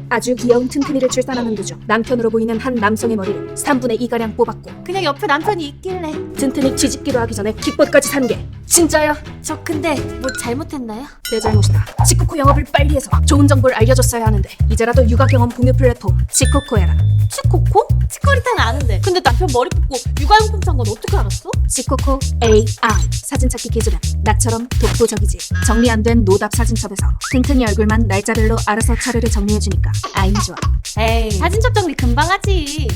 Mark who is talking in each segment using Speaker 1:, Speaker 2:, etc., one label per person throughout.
Speaker 1: 아주 귀여운 튼튼이를 출산하는 도중 남편으로 보이는 한 남성의 머리를 3분의 2가량 뽑았고
Speaker 2: 그냥 옆에 남편이 있길래.
Speaker 1: 튼튼이 뒤집기도 하기 전에 킥보드까지 산 게 진짜야?
Speaker 2: 저 근데 뭐 잘못했나요?
Speaker 1: 내 잘못이다. 치코코 영업을 빨리 해서 좋은 정보를 알려줬어야 하는데 이제라도 육아 경험 공유 플랫폼 치코코에라.
Speaker 2: 치코코? 치코리타는 아는데 근데 남편 머리 뽑고 육아용품 산 건 어떻게 알았어?
Speaker 1: 치코코 AI 사진 찾기 기술은 나처럼 독보적이지. 정리 안 된 노답 사진첩에서 튼튼이 얼굴만 날짜별로 알아서 차례를 정리해주니까 아임 좋아.
Speaker 2: 에이 사진첩 정리 금방 하지.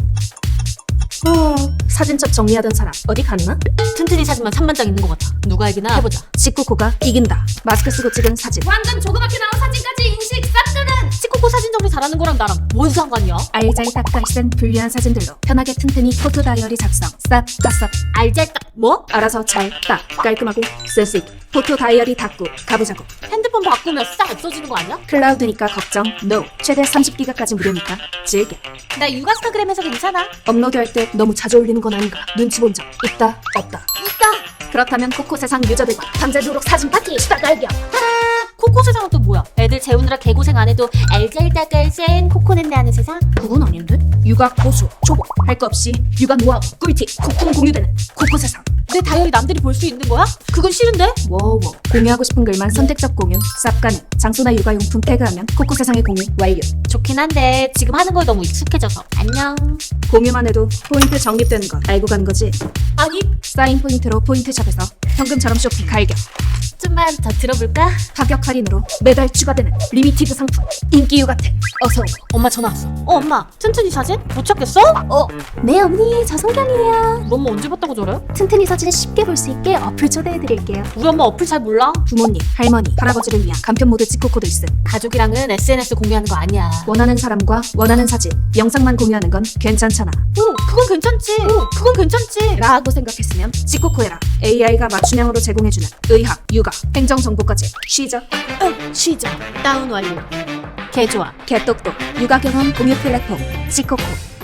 Speaker 1: 사진첩 정리하던 사람 어디 갔나?
Speaker 2: 튼튼이 사진만 3만 장 있는 것 같아. 누가 이기나 해보자.
Speaker 1: 치코코가 이긴다. 마스크 쓰고 찍은 사진.
Speaker 2: 완전 조그맣게 나온 사진까지 인식 쌉뜨는. 치코코 사진 정리 잘하는 거랑 나랑 뭔 상관이야?
Speaker 1: 알잘딱깔센 불리한 사진들로 편하게 튼튼히 포토 다이어리 작성. 쌉
Speaker 2: 알잘딱 뭐?
Speaker 1: 알아서 잘 딱 깔끔하고 센스 있게 포토 다이어리 닫고 가보자고.
Speaker 2: 핸드폰 바꾸면 싹 없어지는 거 아니야?
Speaker 1: 클라우드니까 걱정 NO. 최대 30기가까지 무료니까 즐겨.
Speaker 2: 나 육아스타그램에서 괜찮아.
Speaker 1: 업로드할 때 너무 자주 올리는 건 아닌가? 눈치 본 적 있다 없다?
Speaker 2: 있다.
Speaker 1: 그렇다면 코코 세상 유저들과 밤새도록 사진 파티 수다 갈겨.
Speaker 2: 코코 세상은 또 뭐야? 애들 재우느라 개고생 안 해도 알잘딱깔센 코코넷네 하는 세상?
Speaker 1: 그건 아닌데? 육아 고수 초보 할 거 없이 육아 노하우 꿀팁 콕콕 공유되는 코코 세상.
Speaker 2: 내 다이어리 남들이 볼 수 있는 거야? 그건 싫은데?
Speaker 1: 워워. 공유하고 싶은 글만 선택적 공유 쌉 가능. 장소나 육아용품 태그하면 코코 세상의 공유 완료.
Speaker 2: 좋긴 한데 지금 하는 거에 너무 익숙해져서 안녕.
Speaker 1: 공유만 해도 포인트 적립되는 건 알고 가는 거지.
Speaker 2: 아니
Speaker 1: 사인 포인트로 포인트샵에서 현금처럼 쇼핑 갈겨.
Speaker 2: 좀만 더 들어볼까?
Speaker 1: 가격 할인으로 매달 추가되는 리미티드 상품 인기 육아템 어서.
Speaker 2: 엄마 전화 왔어. 엄마 튼튼이 사진? 못 찾겠어?
Speaker 1: 네 언니 저 성경이에요.
Speaker 2: 우리 엄마 언제 봤다고 저래?
Speaker 1: 튼튼이 사진을 쉽게 볼 수 있게 어플 초대해드릴게요.
Speaker 2: 우리 엄마 어플 잘 몰라.
Speaker 1: 부모님, 할머니, 할아버지를 위한 간편 모드 치코코도 있음.
Speaker 2: 가족이랑은 SNS 공유하는 거 아니야.
Speaker 1: 원하는 사람과 원하는 사진, 영상만 공유하는 건 괜찮잖아
Speaker 2: 그건 괜찮지. 그건 괜찮지.
Speaker 1: 라고 생각했으면 치코코에라. AI가 맞춤형으로 제공해주는 의학, 육아, 행정정보까지 시작.
Speaker 2: 시작. 다운 완료. 개 좋아.
Speaker 1: 개똑똑 육아 경험 공유 플랫폼 치코코.